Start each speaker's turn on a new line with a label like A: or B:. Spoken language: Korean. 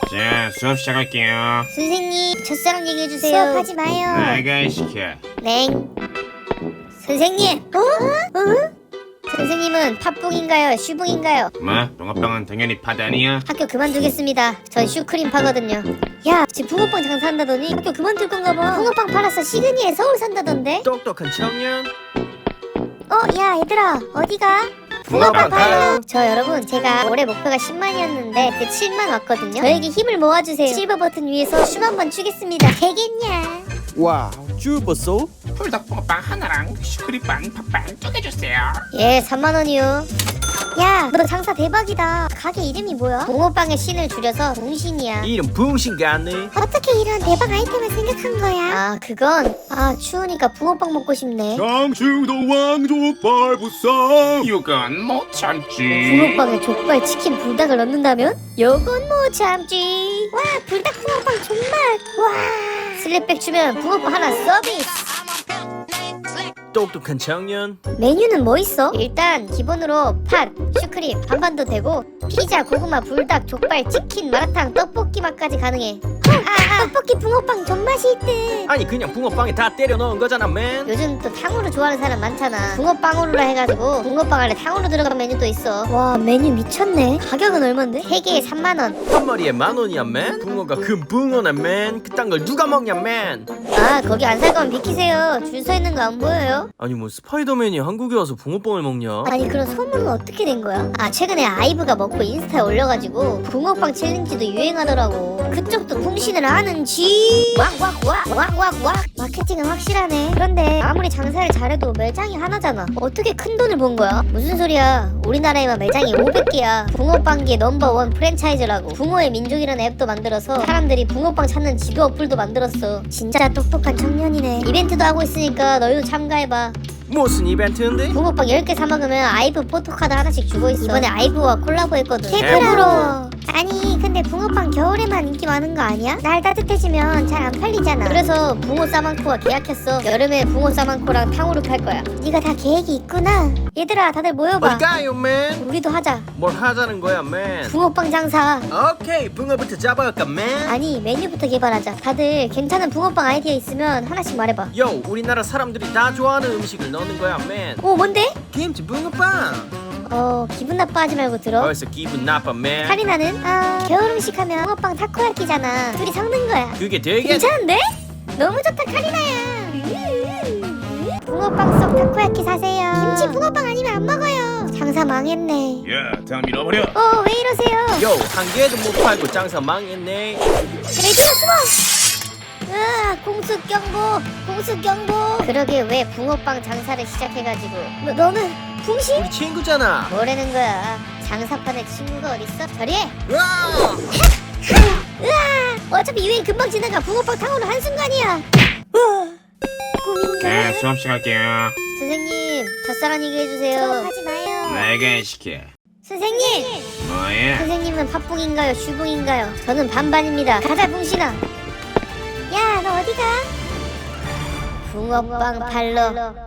A: 자, 수업 시작할게요.
B: 선생님, 첫사랑 얘기해주세요.
C: 수업하지 마요.
A: 나가 시켜.
B: 냉. 선생님. 선생님은 팥붕인가요? 슈붕인가요?
A: 뭐? 붕어빵은 당연히 팥 아니야?
B: 학교 그만두겠습니다. 전 슈크림 파거든요. 야, 지금 붕어빵 장사한다더니 학교 그만둘 건가 봐. 붕어빵 팔아서 시드니에 서울 산다던데?
D: 똑똑한 청년.
B: 야, 얘들아, 어디가?
D: 붕어빵 팔러.
B: 저 여러분, 제가 올해 목표가 10만이었는데 그 7만 왔거든요. 저에게 힘을 모아주세요. 실버 버튼 위에서 춤 한번 추겠습니다. 되겠냐?
D: 와우, 쭈버소?
A: 불닭붕어빵 하나랑 슈크림빵 팥빵 쪼개주세요.
B: 예, 3만 원이요. 야, 너 장사 대박이다. 가게 이름이 뭐야? 붕어빵의 신을 줄여서 붕신이야.
D: 이름 붕신 같네.
C: 어떻게 이런 대박 아이템을 생각한 거야?
B: 아, 그건 추우니까 붕어빵 먹고 싶네.
A: 장충도 왕족발 부상. 이건 못 참지.
B: 붕어빵에 족발, 치킨, 불닭을 넣는다면? 요건 못 참지.
C: 와, 불닭 붕어빵 정말. 와.
B: 슬립백 주면 붕어빵 하나 서비스.
D: 똑똑한 청년.
B: 메뉴는 뭐 있어? 일단 기본으로 팥, 슈크림 반반도 되고 피자, 고구마, 불닭, 족발, 치킨, 마라탕, 떡볶이 맛까지 가능해.
C: 떡볶이 붕어빵 존맛이 있대.
D: 아니 그냥 붕어빵에 다 때려 넣은 거잖아 맨.
B: 요즘 또 탕후루 좋아하는 사람 많잖아. 붕어빵으로라 해가지고 붕어빵 안에 탕후루 들어간 메뉴도 있어. 와, 메뉴 미쳤네. 가격은 얼만데? 3개에 3만 원.
D: 한 마리에 10,000원이야 맨. 붕어가 금 붕어네 맨. 그딴 걸 누가 먹냐 맨.
B: 아, 거기 안 살 거면 비키세요. 줄 서 있는 거 안 보여요?
D: 아니 뭐 스파이더맨이 한국에 와서 붕어빵을 먹냐?
B: 아니, 그런 소문은 어떻게 된 거야? 최근에 아이브가 먹고 인스타에 올려가지고 붕어빵 챌린지도 유행하더라고. 그쪽도 붕신을 하는지. 왁왁왁 마케팅은 확실하네. 그런데 아무리 장사를 잘해도 매장이 하나잖아. 어떻게 큰 돈을 번 거야? 무슨 소리야. 우리나라에만 매장이 500개야. 붕어빵계 넘버원 프랜차이즈라고. 붕어의 민족이라는 앱도 만들어서 사람들이 붕어빵 찾는 지도 어플도 만들었어. 진짜 똑똑한 청년이네. 이벤트도 하고 있으니까 너희도 참가해봐.
D: 무슨 이벤트인데?
B: 붕어빵 10개 사먹으면 아이브 포토카드 하나씩 주고 있어. 이번에 아이브와 콜라보 했거든.
C: 개부러워. 아니 근데 붕어빵 겨울에만 인기 많은 거 아니야? 날 따뜻해지면 잘 안 팔리잖아.
B: 그래서 붕어 싸만코와 계약했어. 여름에 붕어 싸만코랑 탕후루 팔 거야.
C: 네가 다 계획이 있구나.
B: 얘들아, 다들 모여봐.
D: 어디 가요 맨?
B: 우리도 하자.
D: 뭘 하자는 거야 맨?
B: 붕어빵 장사.
D: 오케이 붕어부터 잡아갈까 맨?
B: 아니, 메뉴부터 개발하자. 다들 괜찮은 붕어빵 아이디어 있으면 하나씩 말해봐.
D: 요 우리나라 사람들이 다 좋아하는 음식을 넣는 거야 맨.
B: 오, 뭔데?
D: 김치 붕어빵.
B: 기분 나빠하지 말고 들어.
D: 벌써 기분 나빠 맨.
B: 카리나는?
C: 겨울 음식 하면 붕어빵 타코야끼잖아. 둘이 섞는 거야.
D: 그게 되게
B: 괜찮은데?
C: 너무 좋다 카리나야. 붕어빵 속 타코야끼 사세요. 김치 붕어빵 아니면 안 먹어요. 장사 망했네.
A: 야, 다 밀어버려.
C: 왜 이러세요?
D: 요 한 개도 못 팔고 장사 망했네.
C: 레디오 숨어. 공습경보.
B: 그러게 왜 붕어빵 장사를 시작해가지고.
C: 너는 붕신?
D: 우리 친구잖아.
B: 뭐라는 거야? 장사판에 친구가 어딨어? 저리해!
D: 와!
C: 어차피 유행 금방 지나가. 붕어빵 탕후루 한순간이야.
A: 자, 수업 시작할게요.
B: 선생님, 첫사랑 얘기해주세요.
C: 수업하지 마요.
A: 나가 시켜.
B: 선생님!
A: 뭐야?
B: 선생님은 팥붕인가요? 슈붕인가요? 저는 반반입니다. 가자, 붕신아!
C: 야, 너 어디가?
B: 붕어빵 팔러